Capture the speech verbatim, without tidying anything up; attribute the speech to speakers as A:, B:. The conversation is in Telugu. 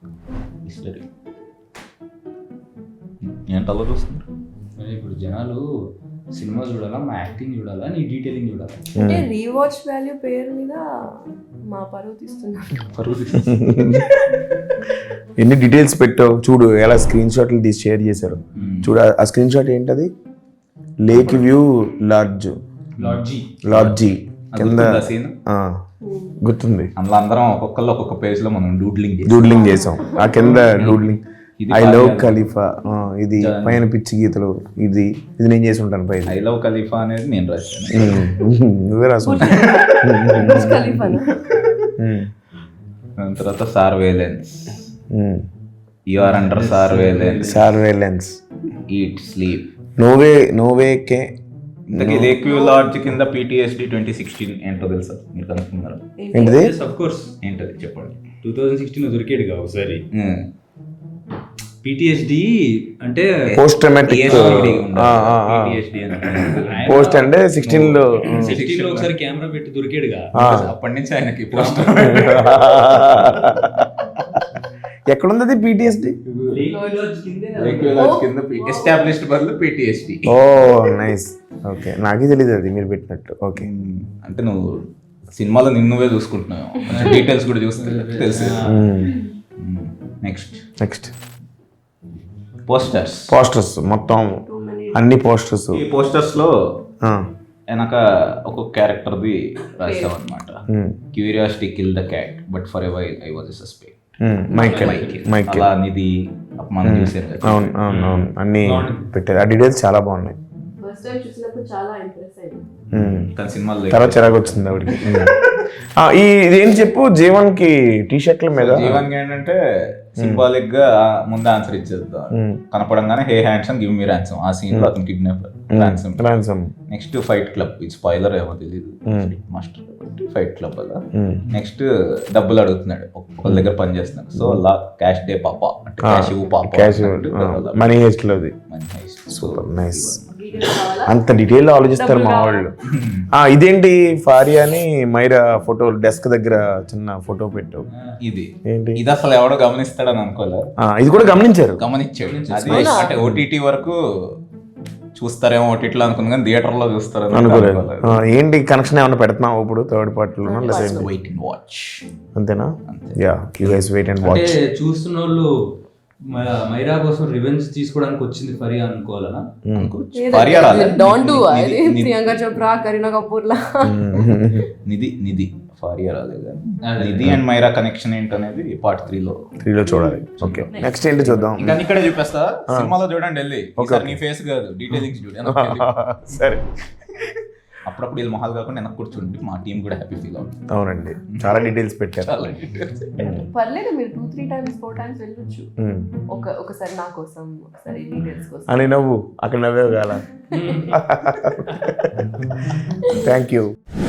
A: హిస్టరీ ఏంటలా చూస్తున్నారు?
B: ఇప్పుడు జనాలు సినిమా చూడాలా, మా యాక్టింగ్ చూడాలా, నీ డీటెయిలింగ్ చూడాలా?
C: అంటే రీవాచ్ వాల్యూ పేరు మీద మా పరువు తీస్తున్నారు.
A: పరువు
D: ఎన్ని డీటెయిల్స్ పెట్టావు చూడు, ఎలా స్క్రీన్ షాట్లు తీసి షేర్ చేశారు చూడు. ఆ స్క్రీన్ షాట్ ఏంటది? లేక్ వ్యూ లాడ్జ్
B: లాడ్జీ
D: లాడ్జీ కింద
A: సీన్
D: ఆ, గుర్తుంది.
A: అందులో అందరం ఒక్కొక్కళ్ళు ఒక్కొక్క పేజ్ లో మనం డూడ్లింగ్
D: డూడ్లింగ్ చేసాం. ఆ కింద డూడ్లింగ్ ఐ లవ్ ఖలీఫా, ఇది పైన పిచ్చి గీతలు, ఇది ఇది నేను చేసి ఉంటాను పైన.
A: ఐ లవ్ ఖలీఫా అనేది నేను రాశాను,
D: నువ్వే రాసు.
A: దాని తర్వాత surveillance, you are under surveillance,
D: surveillance,
A: eat sleep,
D: నోవే నోవే కే.
A: ఇంతకీ లేక్ వ్యూ లాడ్జ్ కింద పీటీఎస్డి ట్వంటీ సిక్స్టీన్ ఏంటో తెలుసా? మీరు కనుక్కున్నారు
D: ఏంటిది?
B: అఫ్ కోర్స్
A: ఏంటది చెప్పండి.
B: టూ థౌజండ్ సిక్స్టీన్ దొరికాడుగా ఒకసారి. పిటిఎస్డి అంటే
D: పోస్ట్ ట్రామాటిక్ పోస్ట్ అంటే సిక్స్టీన్ లో
B: సిక్స్టీన్ లో ఒకసారి కెమెరా పెట్టి దొరికాడుగా.
A: అప్పటి నుంచి ఆయనకి పోస్ట్
D: ఎక్కడుంది పిటిఎస్డి?
A: కింద ఎస్టాబ్లిష్డ్ బదులు పీటీఎస్డి.
D: ఓ నైస్, ఓకే. నాకే తెలియదు అది మీరు పెట్టినట్టు. ఓకే,
A: అంటే నువ్వు సినిమాలో నిన్నువే చూసుకుంటున్నావు, డీటెయిల్స్ కూడా చూస్తే తెలుసు. Next
D: next
A: posters.
D: పోస్టర్స్ మొత్తం అన్ని పోస్టర్స్.
A: ఈ పోస్టర్స్ లో వెనక ఒక్కొక్క క్యారెక్టర్ది రాసాం అనమాట. Curiosity kill the cat but forever I was suspect.
D: Michael Michael
A: Nidhi మనం చూసారు కదా.
D: అవును అవును అవును అన్ని పెట్టారు. ఆ డీటెయిల్స్ చాలా బాగున్నాయి.
C: ఫస్ట్ టైం చూసినప్పుడు చాలా ఇంప్రెస్ అయ్యింది.
A: కానీ సినిమాలో
D: తర్వాత చిరాకు వచ్చింది ఆవిడకి. ఈ ఇదేంటి చెప్పు, జీవన్ కి టీ షర్ట్ల మీద
A: జీవన్ ఏంటంటే సింబాలిక్ గా ముందు ఆన్సర్ ఇచ్చేద్దాం. కనపడంగానే hey handsome give me ransom, ఆ సీన్ లో అతను kidnap ransom.
D: Ransom
A: next fight club, ఇది స్పాయిలర్ ఏమో తెలియదు, మాస్టర్ ఫైట్ క్లబ్ అలా. నెక్స్ట్ డబ్బులు అడుగుతున్నాడు, ఒకళ్ళ దగ్గర పని చేస్తున్నాడు. సో అలా క్యాష్ డే పాప అంటే క్యాష్ ఇవ్వు పాప,
D: క్యాష్ మనీ హెస్ట్ లోది.
A: Money heist.
D: Super nice. అంత డీటెయిల్ ఆలోచిస్తారు మా వాళ్ళు. ఇదేంటి ఫారియా అని మైరా ఫోటో డెస్క్ దగ్గర చిన్న ఫోటో పెట్టావు.
A: ఇది
D: ఏంటి?
A: ఇది అసలు ఎవడో గమనిస్తాడని అనుకోలేదు.
D: ఇది కూడా గమనించారు,
A: గమనించాడు. అది అంటే ఓటీటీ వరకు చూస్తారేమో ఓటీటీలో అనుకున్నా కానీ థియేటర్ లో చూస్తారు
D: అనుకోలేదు. ఏంటి కనెక్షన్ ఏమన్నా పెడుతున్నావు ఇప్పుడు థర్డ్ పార్టీలో?
A: వెయిట్ అండ్ వాచ్
D: అంతేనా? Yeah, you guys wait and watch.
B: అంటే చూస్తున్న వాళ్ళు మైరా కోసం రివెంజ్ తీసుకోవడానికి వచ్చింది ఫరియా అనుకోవాలనా?
C: డోంట్ డు అది ప్రియాంక చోప్రా, కరీనా కపూర్ లా.
A: నిధి నిధి ఫారియా రాలేదు. నిధి అండ్ మైరా కనెక్షన్ ఏంటనేది పార్ట్ త్రీ లో
D: త్రీ లో చూడాలి. ఓకే, నెక్స్ట్ ఏంటి చూద్దాం.
A: ఇంకా ఇక్కడే చూపిస్తా, సినిమాలో చూడండి వెళ్ళి. ఒకసారి నీ ఫేస్ కాదు, డీటెయిలింగ్స్ చూడండి.
D: సరే,
A: అప్పుడప్పుడు వీళ్ళు మొహాలు కాకుండా వెనక్కి కూర్చోండి, మా టీం కూడా హ్యాపీ ఫీల్ అవుతుంది.
D: అవునండి, చాలా డీటెయిల్స్ పెట్టారు.
A: చాలా డీటెయిల్స్.
C: పర్లేదు, మీరు two three times four times వెళ్ళొచ్చు. ఒక ఒకసారి నా కోసం, ఒకసారి డీటెయిల్స్ కోసం
D: అని నవ్వు అక్కడ నవ్వే కాల. Thank you.